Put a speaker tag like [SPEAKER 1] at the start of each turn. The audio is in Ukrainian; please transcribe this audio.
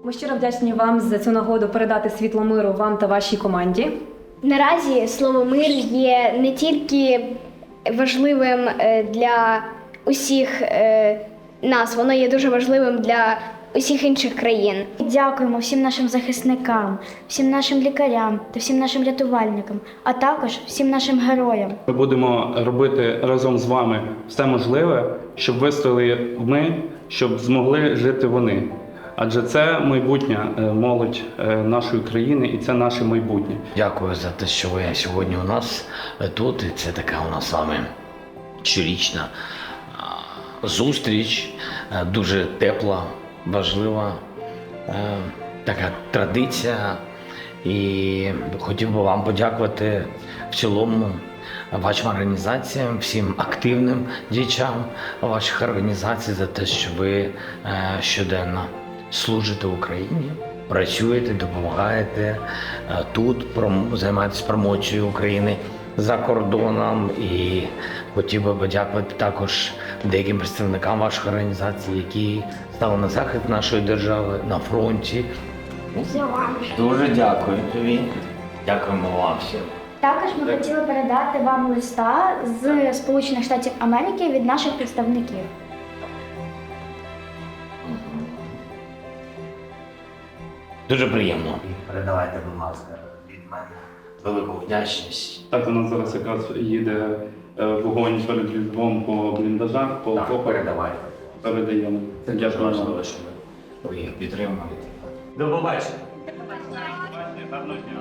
[SPEAKER 1] Ми щиро вдячні вам за цю нагоду передати світло миру вам та вашій команді.
[SPEAKER 2] Наразі слово «мир» є не тільки важливим для усіх нас, воно є дуже важливим для усіх інших країн.
[SPEAKER 3] Дякуємо всім нашим захисникам, всім нашим лікарям та всім нашим рятувальникам, а також всім нашим героям.
[SPEAKER 4] Ми будемо робити разом з вами все можливе, щоб вистояли ми, щоб змогли жити вони. Адже це майбутня молодь нашої країни і це наше майбутнє.
[SPEAKER 5] Дякую за те, що ви сьогодні у нас тут. І це така у нас з вами щорічна зустріч, дуже тепла, важлива така традиція. І хотів би вам подякувати в цілому вашим організаціям, всім активним діячам ваших організацій за те, що ви щоденно служите Україні, працюєте, допомагаєте тут, займаєтесь промоцією України за кордоном. І хотів би подякувати також деяким представникам ваших організацій, які стали на захист нашої держави на фронті. Дуже дякую тобі. Дякуємо вам всім.
[SPEAKER 3] Також ми хотіли передати вам листа з Сполучених Штатів Америки від наших представників.
[SPEAKER 5] Дуже приємно. Передавайте, будь ласка, від мене велику вдячність.
[SPEAKER 4] Так, у нас зараз якраз їде вогонь перед Львовом по бліндажах, по окопах.
[SPEAKER 5] Передавайте.
[SPEAKER 4] Передаємо.
[SPEAKER 5] Це дуже
[SPEAKER 4] Дякую вам.
[SPEAKER 5] важливо, що ви їх підтримуєте. До побачення.
[SPEAKER 4] Гарного дня.